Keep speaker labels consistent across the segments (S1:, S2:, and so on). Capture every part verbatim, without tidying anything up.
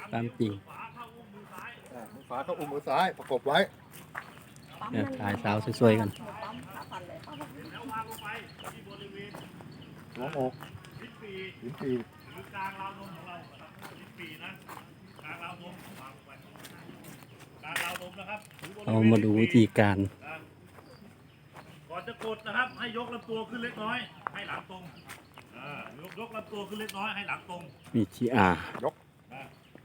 S1: ตามจริง
S2: มือขวาเข้าอุ้มมือซ้ายประกบไว้
S1: เนี่ยถ่ายสาวสวยๆกัน
S2: หัวอกลิ้นปีลิ้นปี
S3: หรือกลางราวนมของเราครับลิ้นปีนะกลางราวนมวางลงไปกลางราวนมนะครับ
S1: เรามาดูวิธีการ
S3: ก่อนจะกดนะครับให้ยกลำตัวขึ้นเล็กน้อยให้หลังตรงอ่ายกยกลำตัวขึ้นเล็กน้อยให้หลังตรง
S1: มีทีอาร์
S2: ยก
S3: นะ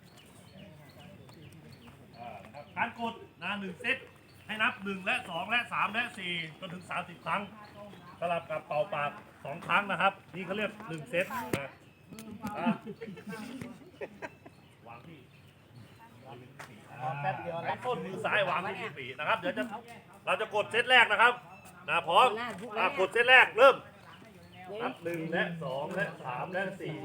S3: อ่านะครับการกดนะหนึ่งเซตให้นับหนึ่งและสองและสามและสี่จนถึงสามสิบครั้งสลับกับเป่าปากสองครั้งนะครับนี่เขาเรียกหนึ่งเซตนะอ่ะวางที่แป๊บเดียวให้ต้นมือซ้ายวางที่ปีกนะครับเดี๋ยวจะเราจะกดเซตแรกนะครับนะพร้อมอ่ะกดเซตแรกเริ่มนับหนึ่งและสองและสามและสี่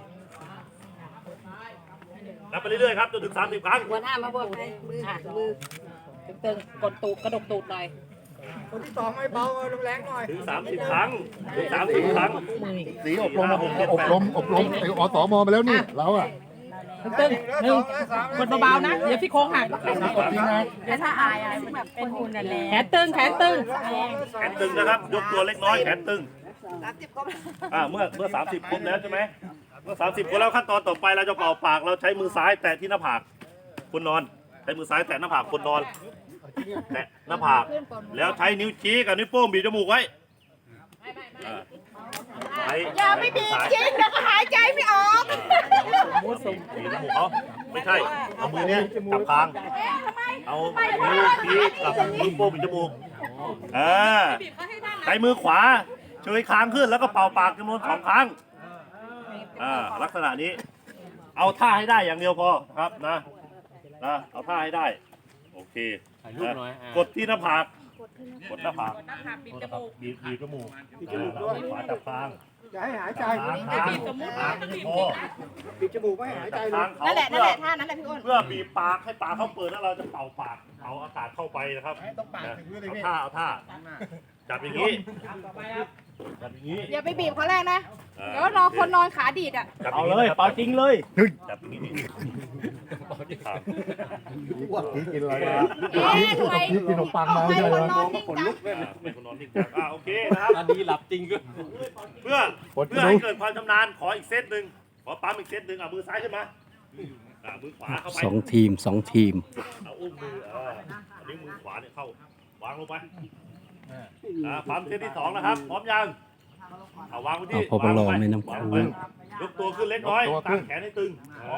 S3: นับไปเรื่อยๆครับจนถึงสามสิบครั้ง
S4: หัวหน้ามาบอกให้มือมือตึงๆกดตูดกระดกตูดหน่อย
S5: คนที่สองไม่เบาแรงหน่อย
S3: ถึงสามสิบครั้งถึงสามสิบครั้ง
S2: สีอบรมอบรมอบรมไออสมมาแล้วนี่เราอะ
S4: ตึงๆหนึ่งกดเบาๆนะเดี๋ยวพี่โค้งหัก
S2: กดจริงนะ
S4: แต่ถ้าอายอะไรแบบเป็นหุ่นนั่นแหละแขนตึงแขนตึง
S3: แขนตึงนะครับยกตัวเล็กน้อยแขนตึงอ่าเมื่อเมื่อสามสิบครบแล้วใช่ไหมเมื่อสามสิบครบแล้วขั้นตอนต่อไปเราจะเป่าปากเราใช้มือซ้ายแตะที่หน้าผากคนนอนใช้มือซ้ายแตะหน้าผากคนนอนแตะหน้าผากแล้วใช้นิ้วชี้กับนิ้วโป้งบีบจมูกไว้อ่าใช้
S4: อย่าไม่บีบจริงนะหายใจไม่ออก
S3: บีบจมูกเขาไม่ใช่เอามือเนี้ยจับคางเอานิ้วชี้กับนิ้วโป้งบีบจมูกอ่าใช้มือขวาเฉยคางขึ้นแล้วก็เป่าปากจำนวนสองครั้งอ่าลักษณะนี้เอาท่าให้ได้อย่างเดียวพอครับนะนะเอาท่าให้ได้โอเคนะกดที่หน้าผากกดหน้าผากบีบจมูกบีบบีบจมูกบีบจมูกด้วยขวาจับคาง
S5: อย่าให้หายใจ
S3: คางคางคางคอ
S5: ปิดจมูกไม่ให้หายใจเล
S3: คาย งเขา
S4: นั่นแหละนั่
S3: เพื่
S4: น
S3: อ
S4: แหละท่านั้นแหละพี่อ้น
S3: เพื่อบีบปากให้ปากเขาเปิดแล้วเราจะเป่าปากเอาอากาศเข้าไปนะครับนะเอาท่าเอาท่าจับอย่างนี้จับอย่างนี้
S4: อย่าไปบีบเขาแรกนะเดี๋ยวรอคนนอนขาดีดอ่ะ
S3: จับเอาเลยเป่าจริงเลยจับอย่างนี้ครับ
S2: พี่กินอะไรนะ
S4: เอ๊ะทำไม
S2: พี่กินขนมปังมา
S4: ให้
S2: ใช่
S4: คน
S2: ไหม
S4: นอนนิ่งจัง
S3: เป็นคนนอนนิ่งจังอ่าโอเคนะครับ
S1: อันนี้หลับจริงก็
S3: เพื่อเพื่อให้เกิดความชำนาญขออีกเซตหนึ่งขอปั๊มอีกเซตหนึ่งเอามือซ้ายขึ้นมาอ่ามือขวาเข้าไป
S1: สองทีมสองทีม
S3: เอาอุ้มมือเอออันนี้มือขวาเนี่ยเข้าวางลงไปอ่าปั๊มเซตที่สองนะครับพร้อมยังเอาวางไว้ที่
S1: เอาพอปลอไม่น้ำ
S3: วาง
S1: คู
S3: ลงไปยกตัวขึ้นเล็กน้อยตั้งแขนให้ตึง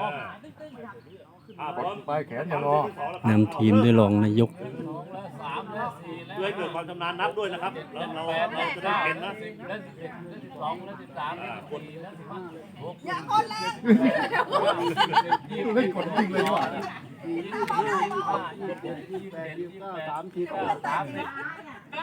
S3: อ่าพร้อม
S2: ไปแขนอย่างงอ
S1: นำทีมด้วยรองนายก
S3: เพื่อให้เกิดความชำนาญนับด้วยนะครับเราเราเราจะได้เป็นนะ
S4: อย่าคนแรก
S2: เล่นกดจริงเลยดีกว่า
S5: สามที
S4: สาม